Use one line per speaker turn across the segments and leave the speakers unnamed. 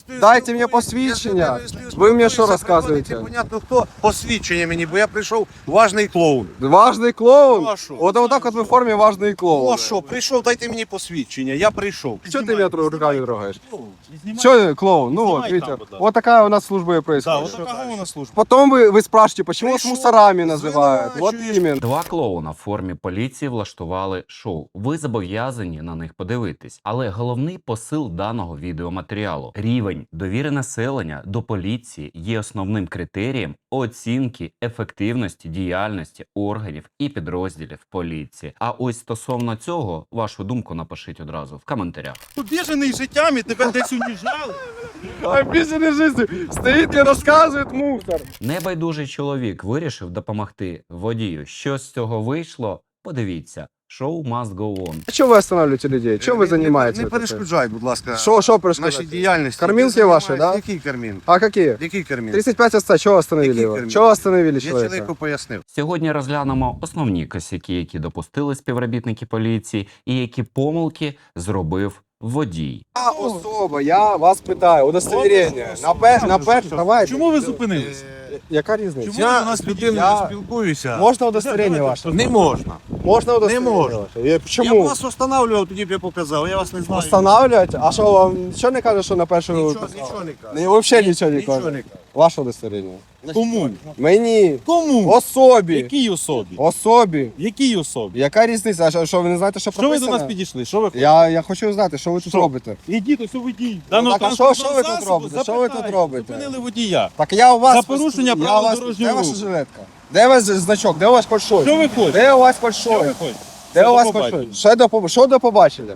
Дайте мені посвідчення. Ви мені що розказуєте?
Непонятно хто. Посвідчення мені, бо я прийшов важний клоун.
Важний клоун?
Ну, а що?
Отак от ви в формі важний клоун.
Ну а що, прийшов, дайте мені посвідчення, я прийшов.
Що ти мене руками трогаєш? Що клоун? Ну вот, видите, вот такая у нас служба и происходит.
Да, вот такого у нас служба.
Потом вы спрашиваете, почему вас
Пришел,
мусорами называют? Вот
звинувачуєш.
именно.
Два клоуна в формі поліції влаштували шоу. Ви зобов'язані на них подивитись. Але головний посил даного відеоматеріалу – рівень довіри населення до поліції є основним критерієм оцінки ефективності діяльності органів і підрозділів поліції. А ось стосовно цього, вашу думку напишіть одразу в коментарях.
Обіжений життями, тебе десь уніжали.
Обиженный жизнью. Стоит и рассказывает мусор.
Небайдужий чоловік вирішив допомогти водію. Що з цього вийшло? Подивіться. Шоу must go on.
А что вы останавливаете людей? Чем вы занимаетесь?
Не перешкоджай, будь ласка,
Что
нашій
происходит?
діяльності.
Кормілки
Ти
ваші,
займаєшся?
да?
Який кармін?
А какие?
Який кармін?
35 отца, чего остановили
Какие
его?
термины?
Чего остановили
Я
человека?
чоловіку пояснив.
Сьогодні розглянемо основні косяки, які допустили співробітники поліції, і які помилки зробив водій.
Я особо, я вас питаю, удостоверение. Давай.
Чому ви зупинились?
Яка різниця?
Чому ви до нас
з людиною
Я-
спілкуюся.
Можна удостоверение ваше?
Не можна.
Можна удостоверение
можна.
ваше?
Я
Чому?
вас встановлював, тоді б я показав, я вас не знаю.
Встановлювати? А що вам нічого не каже, що на першому
Нічого не кажу.
Не, взагалі нічого не
Нічого
каже.
не кажу.
Ваше удостоверение.
Кому?
Мені.
Кому?
Особі.
Якій особі?
Особі.
Якій особі?
Яка різниця? А що ви не знаєте, що
Що ви
прописано?
до нас підійшли? Що ви хочете?
Я хочу знати, що ви тут
Що?
робите.
Ідіть, ось водій.
так, а що ви тут робите? Що ви тут робите?
Зупинили водія.
Так я у вас...
За порушення правил дорожнього
Де ваша
руху.
жилетка? Де у вас значок? Де у вас фальшой?
Що ви хочете?
Де у вас
Що ви
фальшой?
хочете?
Де у вас
До побачення.
фальшой? Що до побачення?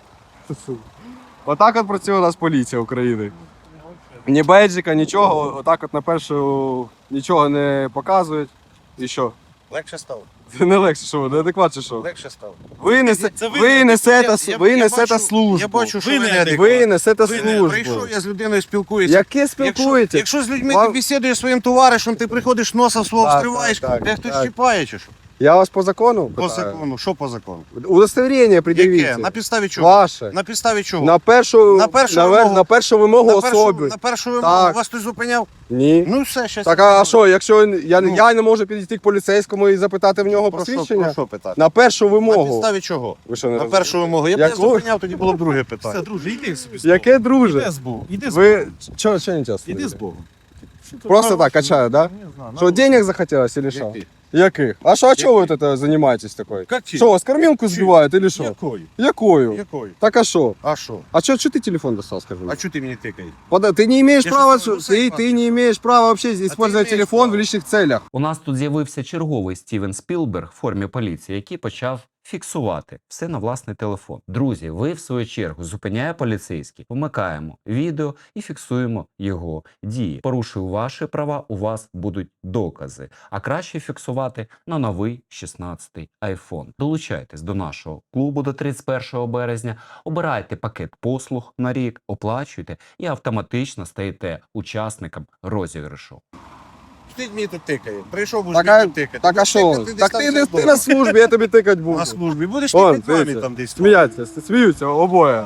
Отак от працює у нас поліція України. Ні бейджика, нічого, отак от на першу нічого не показують. І що?
Легше стало.
Це не легше, що ви, неадекват чи що?
Легше стало.
Ви
Це
несете службу.
Я бачу, що
Ви
ви
не
неадекватні.
Ви несете
Ви не-
службу.
Прийшов, я з людиною спілкуюся.
Яке спілкуєтесь?
Якщо з людьми
Вам-
ти бесідуєш своїм товаришем, ти приходиш носа свого
Так,
встриваєш,
так,
де хтось
так.
чіпає чи що?
Я вас по закону
По
питаю.
закону. Що по закону?
Удостоверення пред'явіть.
Яке? На підставі чого?
Ваше.
На підставі чого?
На першу,
На першу
на
вимогу.
на першу вимогу
На першу-
особи.
На першу вимогу
Так.
вас хтось зупиняв?
Ні.
Ну все, щас.
Так, а що, якщо я
Ну.
не можу підійти к поліцейському і запитати в нього
Про що,
посвідчення?
про що питати?
На першу
На
вимогу.
підставі чого?
Ви що, не
На
розумієте?
першу вимогу. Я б не
Яку?
зупиняв, тоді було б друге
Все,
питання.
друже, йди собі.
Яке друже?
Іди з Богом. Іди з Богом.
Ви що не час?
Іди з Богом.
Просто так качаю, да? Що, денег захотелось или що?
Яких?
Яких? А що, а чого ви тут займаєтесь такою?
Каких?
Що, вас кормілку збивають или що?
Якою?
Якою?
Якою?
Так а що?
А що?
А что ты телефон достал, скажи?
А чого ти мені тикаєш?
Ты не имеешь
Я
права,
что, нарушаю
ты не имеешь права вообще использовать
имеешь
телефон в
право.
личных целях.
У нас тут з'явився черговий Стівен Спілберг в формі поліції, який почав фіксувати все на власний телефон. Друзі, ви в свою чергу зупиняє поліцейський, вмикаємо відео і фіксуємо його дії. Порушую ваші права, у вас будуть докази. А краще фіксувати на новий 16-й iPhone. Долучайтесь до нашого клубу до 31 березня, обирайте пакет послуг на рік, оплачуйте і автоматично стаєте учасником розіграшу.
Ти мені тут тикає. Прийшов, будеш
Так,
мені
а,
тут тикати.
так а
Будеш
що?
тикати десь
Так
там
ти,
за
ти
домом.
на службі, я тобі тикати буду.
На службі. Будеш
Вон,
тикати мамі
дивіться,
там десь.
сміяться, сміються обоє.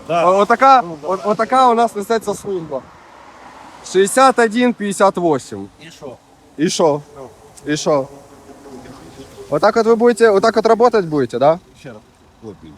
Отака у нас несеться служба. 61-58.
І що?
И шо? И шо? Вот так вот вы будете, вот так вот работать будете, да?
Ще раз. Хлопці.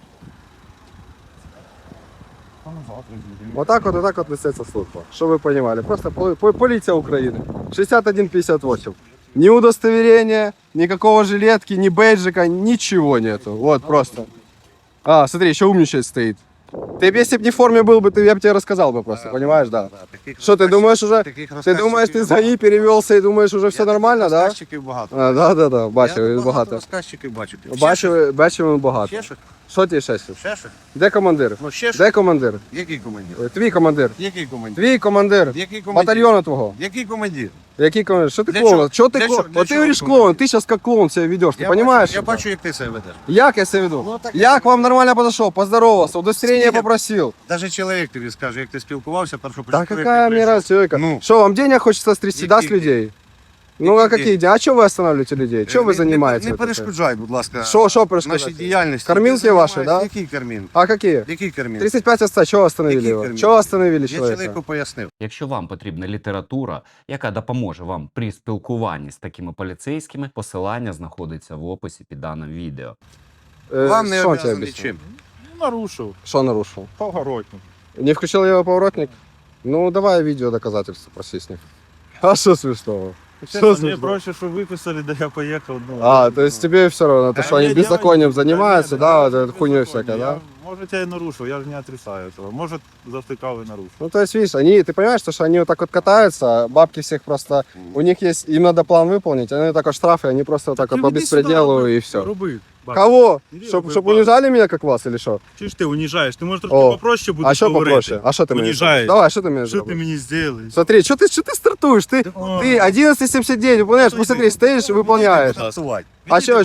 Вот так вот несется служба. Чтобы вы понимали. Просто полиция Украины. 61-58. Ни удостоверения, никакого жилетки, ни бейджика, ничего нету. Вот просто. А, смотри, еще умничать стоит. Ты бы, если бы не в форме был бы, я бы тебе рассказал бы просто, понимаешь, да? Что, ты думаешь уже, ты думаешь, ты за ней перевелся и думаешь, уже все нормально, да?
Розказчиків багато.
А, да, бачив,
Я
багато.
розказчиків бачу. Ще щось?
Бачимо багато.
Ще щось?
Що ти ще щось?
Ще щось?
Де командир?
Ну ще щось?
Де командир?
Який командир?
Твій командир.
Який командир?
Твій командир.
Який командир?
Батальйону твого.
Який командир?
Який командир? Що ти
Для
клоун?
чого?
Що ти
Для
клоун?
чого? Для
От ти
чого
говориш
командир?
клоун, ти зараз як клоун себе ведеш, ти розумієш?
Я бачу, як ти себе ведеш.
Як я себе веду?
Ну, так
Я к вам нормально подошел, поздоровался, удостоверение
С кем?
попросил.
Даже чоловік тобі скаже, як ти спілкувався, першу
Да какая мне разница, человека?
Ну.
Что, вам денег хочется стрясти, да, с
Каких
людей? Ну а какие? А что вы останавливаете людей? Что вы занимаетесь?
Не
вот это?
перешкоджай, будь ласка.
Що
нашій
перешкодите?
діяльності.
Кормілки
Ти
ваші,
займаєшся-
да?
Які кормілки?
А какие?
Які кормілки?
35 отца, чего остановили
Какие
его?
кормилки?
Чего остановили
Я
человека?
чоловіку пояснив.
Якщо вам потрібна література, яка допоможе вам при спілкуванні з такими поліцейськими, посилання знаходиться в описі під даним відео.
Вам не
Что он тебе
обов'язаний
объяснил?
чим.
Ну, нарушив.
Что нарушил?
Поворотник.
Не включил его поворотник? Ну, давай видео доказательства проси с них. А что смешного?
Чесно, мені
смішно?
проще, що виписали, да я поїхав. Ну,
А, то есть тебе все равно, то, что они
я
беззаконием
делаю-
занимаются,
Конечно,
да,
я
вот эта хуйня
беззаконие.
всякая, да?
Может, я и нарушил, я же не отрицаю этого. Может, завтыкал и нарушил.
Ну, то есть, видишь, ты понимаешь, что они вот так вот катаются, бабки всех просто, у них есть, им надо план выполнить, они так вот штрафы, они просто вот так вот по беспределу и все.
Руби.
Кого?
Иди
Чтоб
руби, баб.
унижали меня, как вас, или что?
Чи ж ти уніжаєш? Ти можеш трохи
О,
попроще будеш
А что
говорити.
попроще? А что ты мне
Унижаешь.
Давай, что ты мне
Що ти
сделаешь?
мені зробиш?
Смотри, что ты стартуешь? Ты 11.79 выполняешь, посмотри, стоишь и выполняешь. А что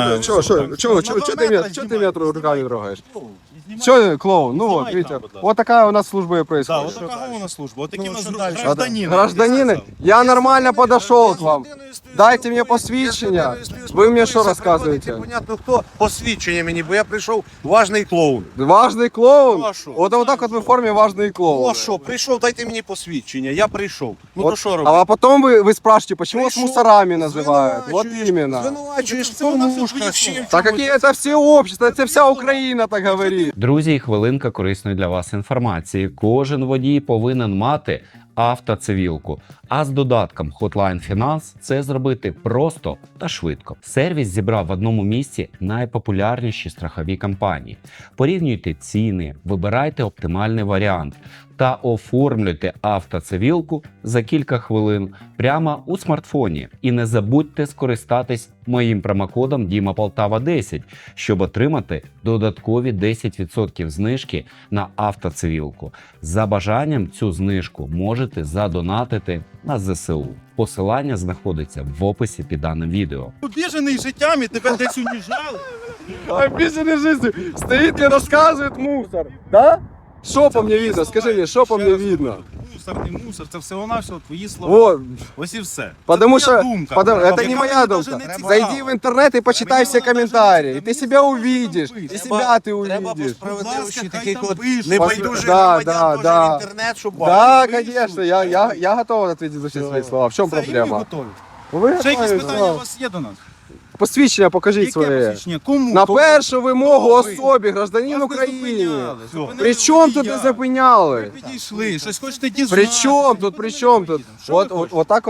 ты меня руками трогаешь? Что, клоун? Ну вот, видите, вот такая у нас служба и
Да,
происходит.
от така у нас служба. От такі у нас
що далі?
гражданини.
Гражданины, я нормально подошел к вам. Дайте мне посвідчення. Ви мені що розказуєте?
Непонятно хто. Посвідчення мені, бо я прийшов важний клоун.
Важный клоун?
Ну, а що?
Вот так вот вы в форме важный клоун.
Ну а що, прийшов, дайте мені посвідчення, я прийшов. Ну
Вот,
то що робити?
а потом вы спрашиваете, почему вас
Прийшов,
мусорами называют? Вот
звинувачуєш,
именно.
Звинувачуєш в кормушках, ще в
Так
чомусь.
какие это все общества, это вся Украина так говорит.
Друзі, і хвилинка корисної для вас інформації. Кожен водій повинен мати автоцивілку. А з додатком Hotline Finance це зробити просто та швидко. Сервіс зібрав в одному місці найпопулярніші страхові компанії. Порівнюйте ціни, вибирайте оптимальний варіант та оформлюйте автоцивілку за кілька хвилин прямо у смартфоні. І не забудьте скористатись моїм промокодом DIMAPOLTAVA10, щоб отримати додаткові 10% знижки на автоцивілку. За бажанням цю знижку можете задонатити на ЗСУ. Посилання знаходиться в описі під даним відео.
Обіжений життям і тебе десь уніжали.
Обиженный жизнью. Стоит и рассказывает мусор. Да? Что по мне видно? Скажи мне, что по мне видно?
Мусор, не мусор, це всього-навсього твої слова.
Вот.
Ось і все.
Потому
Це твоя
что
думка.
это
Яка
не моя
мені
думка.
даже не цікава.
Зайди в интернет и почитай все комментарии. И ты себя увидишь. И себя ты
Треба по
увидишь.
справедливості
Будь ласка,
таких
хай там
от
пишуть.
небайдужих
Да,
громадян
да.
теж в інтернет, щоб
Да,
бачили.
конечно, я готов ответить за все свои слова. В чем
Все, і ми
проблема?
готові.
Ви
Ще якісь
готові,
питання у
да.
вас є до нас?
Посвідчення покажіть
Яке
своє.
посвідчення? Кому?
На
Кому?
першу вимогу
Хто ви?
особі, гражданин
Вас не
України.
зупиняли. Зупинили
При чому тут не
водія.
зупиняли?
Ви підійшли, щось хочете дізнатися.
При чому тут, при чому тут? Вот так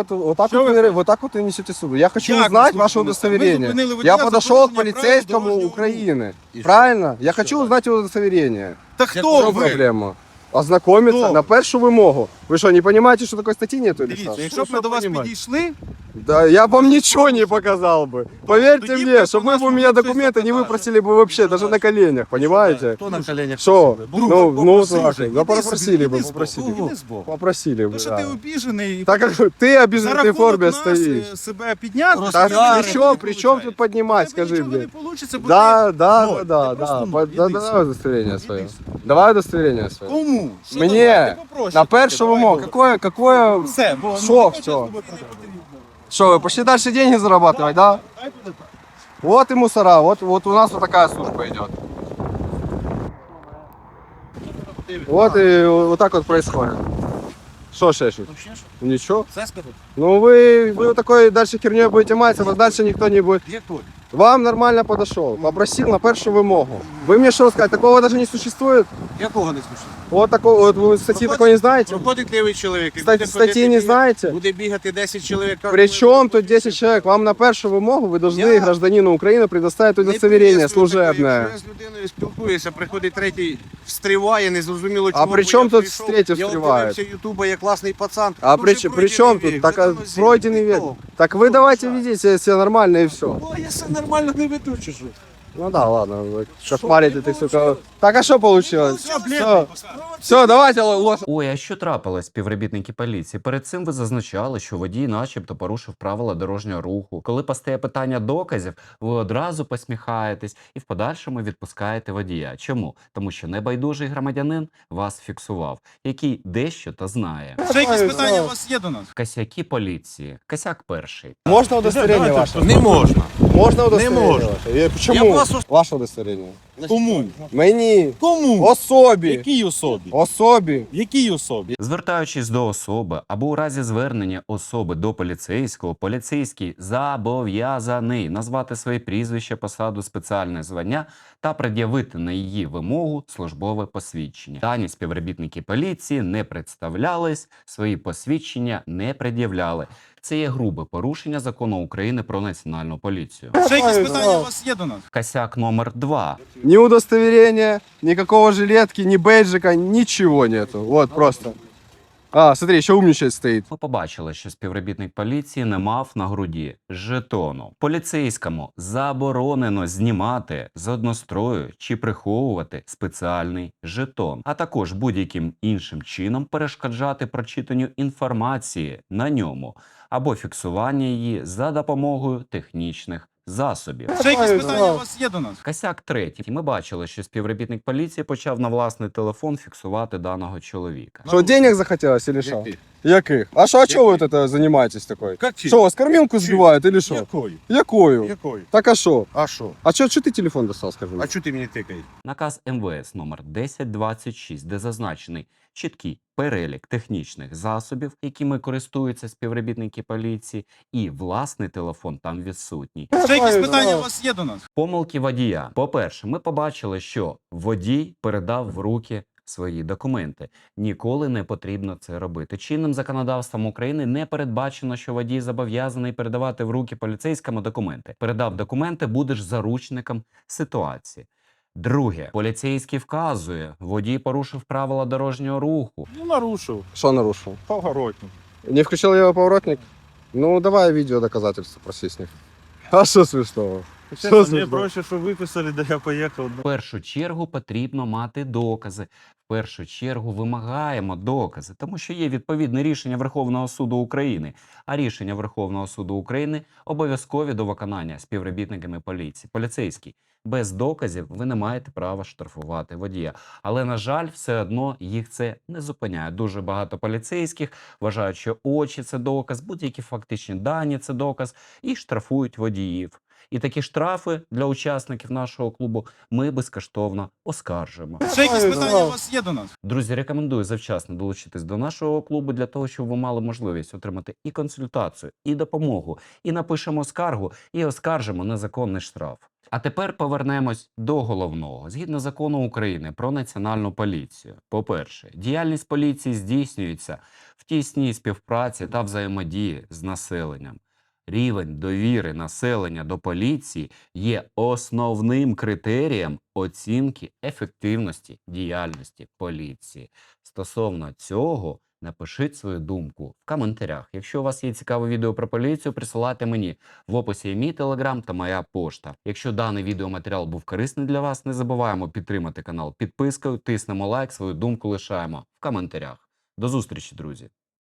вот вы несете суду. Я хочу
Як
узнать
ви
ваше
зупинили?
удостоверение.
Ви зупинили водія
Я
за
подошел к
порушення
полицейскому
правил дорожнього
Украины.
І що?
Правильно? Я хочу узнать его удостоверение.
Та
В
хто
чем
ви?
проблема? Ознакомиться
Хто?
на першу вимогу. Ви що, не понимаете, що такої статті нету? или
Дивіться,
що?
якщо б ми до вас підійшли,
Да, я вам ничего не показал бы. Поверьте
Тоді
мне,
б
чтобы
у нас
вы бы у меня
щось
документы не
показали.
выпросили бы вообще, даже на коленях, понимаете?
Хто на коленях?
Что?
Друг,
Ну,
попросив
так,
же.
да попросили
іди
бы,
збоку,
попросили бы.
іди збоку.
Попросили
Тому
бы,
що ти
да.
обіжений,
Так как ты обижен
за
в этой
рахунок
форме
нас
стоишь.
себе підняти,
Так,
Розпіарити
при чем тут поднимать, скажи
нічого
мне?
не получится, бо
Да,
ти
да,
ноль.
да,
Ти
да,
просто
да.
ноль.
Да,
Іди
давай
сюди.
удостоверение свое.
Іди сюди.
Давай удостоверение свое.
Кому? Що
Мне
давай? Ти попроще
на
тільки,
першу
давай,
вимогу.
добре.
Какое?
Все, бо
Що,
не хочеш
все?
з тобою поговорити.
Что, вы пошли дальше деньги зарабатывать, да?
Дай туди.
Вот и мусора, вот у нас вот такая служба идет. Вот и вот так вот происходит. Что шешут? Ничего.
Це сказати?
Ну вы вот такой дальше херней будете маться, вас дальше никто не будет.
Як то?
Вам нормально подошел, попросил на першу вимогу. Вы мне что сказать, такого даже не существует?
Якого не слушати?
Вот такого, вот вы статьи такой не знаете?
Проходить лівий чоловік. і
Кстати,
буде
статьи
ходити
не
бігати-
знаете?
Буде бігати 10 чоловік.
При чем тут 10 человек? Вам на першу вимогу вы должны
Я-
гражданину Украины предоставить
Не
удостоверение
приветствую такого.
служебное.
Якщо я з людиною спілкуюся, приходить третій, встріває, незрозуміло
А
чого.
при
бо
чому
я
тут
прийшов,
третій
Я
встріває?
подивився Ютуба, я класний пацан.
А
Ну,
при,
вже
при чем
пройдений
тут?
вік,
Так
вже
а,
давно всі
пройденный век.
ніхто.
Так вы давайте ведите себя нормально и все.
О, я все нормально не веду, чи що?
Ну да, ладно, вы кошмарите ты, сука. Так, а что получилось? Все, давайте ложь.
Ой, а що трапилось, співробітники поліції? Перед цим ви зазначали, що водій начебто порушив правила дорожнього руху. Коли постає питання доказів, ви одразу посміхаєтесь і в подальшому відпускаєте водія. Чому? Тому що небайдужий громадянин вас фіксував, який дещо та знає.
Ще якісь питання у вас є до нас?
Косяки поліції. Косяк перший.
Можно удостоверение
Давайте,
ваше?
Не можна.
Можно удостоверение
можно.
ваше? Почему?
Я вас
Ваше удостоверение.
Кому?
Мені.
Кому?
Особі.
Якій особі?
Особі.
Якій особі?
Звертаючись до особи або у разі звернення особи до поліцейського, поліцейський зобов'язаний назвати своє прізвище, посаду, спеціальне звання та пред'явити на її вимогу службове посвідчення. Дані співробітники поліції не представлялись, свої посвідчення не пред'являли. Це є грубе порушення закону України про національну поліцію.
Ще якісь питання у вас є до нас?
Косяк номер 2.
Ни удостоверения, никакого жилетки, ни бейджика, ничего нету. Вот просто. А, смотри, еще умничать стоит.
Ми побачили, що співробітник поліції не мав на груді жетону. Поліцейському заборонено знімати з однострою чи приховувати спеціальний жетон, а також будь-яким іншим чином перешкоджати прочитанню інформації на ньому або фіксування її за допомогою технічних засобів.
Ще якісь питання у вас є до нас?
Косяк третій. Ми бачили, що співробітник поліції почав на власний телефон фіксувати даного чоловіка.
Что, денег захотелось или что?
Яких?
Яких? А что, а что вы вот это занимаетесь такой?
Как чи?
Что, вас кормилку сбивают или что?
Якою?
Якою?
Якою?
Так а что?
А що?
А что ты телефон достал, скажи мне?
А чого ти мені тикаєш?
Наказ МВС номер 1026, де зазначений чіткий перелік технічних засобів, якими користуються співробітники поліції, і власний телефон там відсутній.
Ще якісь питання у вас є до нас?
Помилки водія. По-перше, ми побачили, що водій передав в руки свої документи. Ніколи не потрібно це робити. Чинним законодавством України не передбачено, що водій зобов'язаний передавати в руки поліцейському документи. Передав документи, будеш заручником ситуації. Друге, поліцейський вказує, водій порушив правила дорожнього руху.
Ну, нарушив.
Что нарушил?
Поворотник.
Не включил я его поворотник? Ну, давай видео доказательства проси с них. А что смешного?
Чесно,
Що
мені
за-
проще, що виписали, да я поїхав.
В першу чергу потрібно мати докази. В першу чергу вимагаємо докази, тому що є відповідне рішення Верховного суду України. А рішення Верховного суду України обов'язкові до виконання співробітниками поліції. Поліцейський. Без доказів ви не маєте права штрафувати водія. Але, на жаль, все одно їх це не зупиняє. Дуже багато поліцейських вважають, що очі – це доказ, будь-які фактичні дані – це доказ, і штрафують водіїв. І такі штрафи для учасників нашого клубу ми безкоштовно оскаржимо.
Ще якісь питання у вас є до нас?
Друзі, рекомендую завчасно долучитись до нашого клубу для того, щоб ви мали можливість отримати і консультацію, і допомогу, і напишемо скаргу, і оскаржимо незаконний штраф. А тепер повернемось до головного. Згідно закону України про національну поліцію. По-перше, діяльність поліції здійснюється в тісній співпраці та взаємодії з населенням. Рівень довіри населення до поліції є основним критерієм оцінки ефективності діяльності поліції. Стосовно цього, напишіть свою думку в коментарях. Якщо у вас є цікаве відео про поліцію, присилайте мені. В описі є мій телеграм та моя пошта. Якщо даний відеоматеріал був корисний для вас, не забуваємо підтримати канал підпискою, тиснемо лайк, свою думку лишаємо в коментарях. До зустрічі, друзі!